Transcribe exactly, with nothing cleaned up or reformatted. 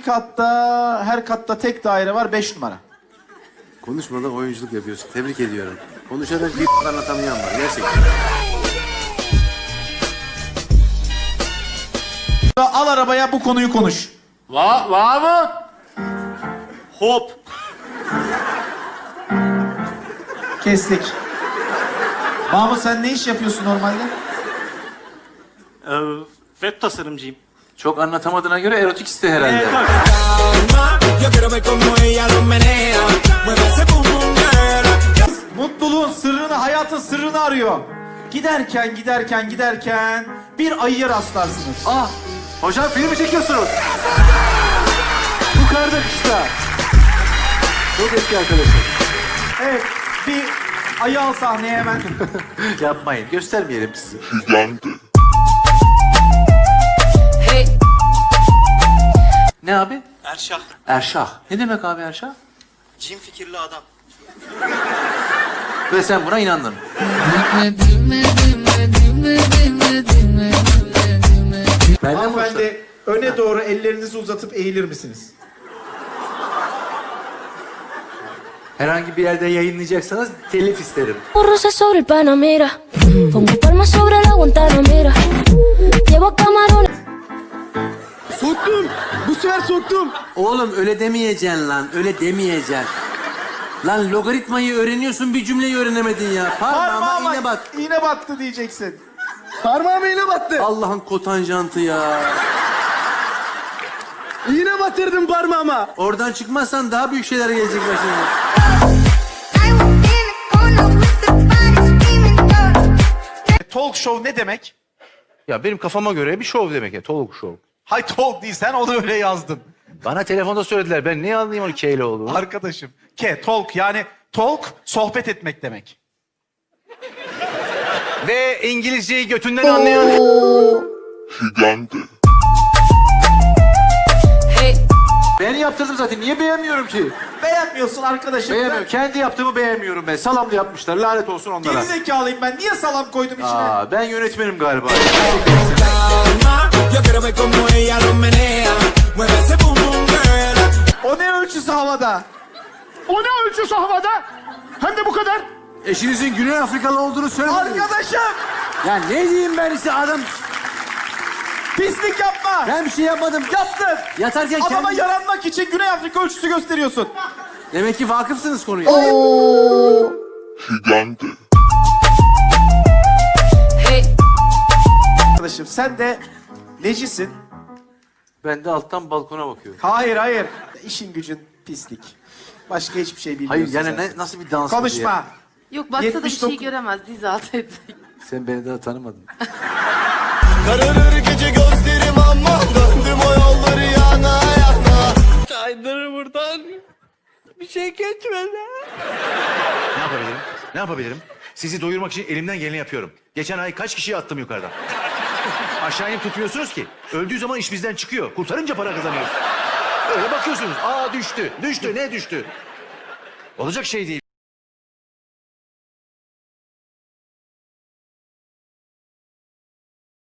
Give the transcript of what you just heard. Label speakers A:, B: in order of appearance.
A: katta, her katta tek daire var, beş numara.
B: Konuşmadan oyunculuk yapıyorsun. Tebrik ediyorum. Konuşarak bir anlatamayan var. Gerçekten.
A: Al arabaya, bu konuyu konuş.
C: Va va mı? Hop.
A: Kestik. Mahmut, sen ne iş yapıyorsun normalde?
C: Ee, web tasarımcıyım.
B: Çok anlatamadığına göre erotik iste herhalde.
C: Evet, bak.
A: Mutluluğun sırrını, hayatın sırrını arıyor. Giderken, giderken, giderken bir ayıya rastlarsınız.
B: Ah! Hocam filmi çekiyorsunuz. Bu karda kışta. Çok eski arkadaşım.
A: Evet, bir ayı al sahneye hemen.
B: Yapmayın. Göstermeyelim sizi.
D: Hey,
B: Ne abi?
C: Erşah.
B: Erşah. Ne demek abi Erşah?
C: Cin fikirli adam.
B: Ve sen buna inandın. Benden mi hoşlan-
A: Hanımefendi, öne doğru ellerinizi uzatıp eğilir misiniz?
B: Herhangi bir yerde yayınlayacaksanız telif isterim.
E: Rosa sobre el Panamera, pongo palmas sobre la Guantanamera. Llevo camarones.
B: Soktum. Bu sefer soktum. Oğlum öyle demeyeceksin lan. Öyle demeyeceksin. Lan logaritmayı öğreniyorsun, bir cümleyi öğrenemedin ya. Parmağıma iğne bat.
A: iğne battı diyeceksin.
B: Parmağıma iğne battı. Allah'ın kotanjantı ya. İğne batırdım parmağıma. Oradan çıkmazsan daha büyük şeyler gelecek başına.
A: Talk show ne demek?
F: Ya benim kafama göre bir şov demek ya. Talk show.
A: Hay talk değil, sen onu öyle yazdın.
F: Bana telefonda söylediler. Ben ne anlayayım onu K ile olduğunu.
A: Arkadaşım. Ke, talk yani talk, sohbet etmek demek.
F: Ve İngilizceyi götünden anlayan...
D: hey,
B: Ben yaptırdım zaten. Niye beğenmiyorum ki?
A: Beğenmiyorsun arkadaşım.
B: Beğenmiyorum. Kendi yaptığımı beğenmiyorum ben. Salamlı yapmışlar. Lanet olsun
A: Ben
B: onlara.
A: gerizekalıyım ben. Niye salam koydum içine?
B: Aa, ben yönetmenim galiba.
A: O ne ölçüsü havada?
C: O ne ölçüsü havada? Hem de bu kadar.
B: Eşinizin Güney Afrikalı olduğunu söylemediniz.
A: Arkadaşım!
B: Ya ne diyeyim ben size adam...
A: Pislik yapma!
B: Ben bir şey yapmadım.
A: Yaptın!
B: Yatarken
A: Adama
B: kendi...
A: yaranmak için Güney Afrika ölçüsü gösteriyorsun.
B: Demek ki vakıfsınız konuya.
D: hey,
A: Arkadaşım sen de necisin?
B: Ben de alttan balkona bakıyorum.
A: Hayır hayır. İşin gücün pislik. Başka hiçbir şey bilmiyorsun
B: Hayır yani
A: sen.
B: ne, nasıl bir dans bu diye.
A: Konuşma.
D: yok baksa da bir
A: yetmiş
D: şey
A: dokuz
D: göremez, diz altı edecek.
B: Sen beni daha tanımadın.
G: Kararır gece gözlerim aman döndüm o yolları yana yana. Kaydır buradan bir şey geçmedi.
F: Ne yapabilirim? Ne yapabilirim? Sizi doyurmak için elimden geleni yapıyorum. Geçen ay kaç kişiyi attım yukarıdan? Aşağı inip tutmuyorsunuz ki. Öldüğü zaman iş bizden çıkıyor. Kurtarınca para kazanıyoruz. Öyle bakıyorsunuz. Aa düştü. Düştü. Ne düştü? Olacak şey değil.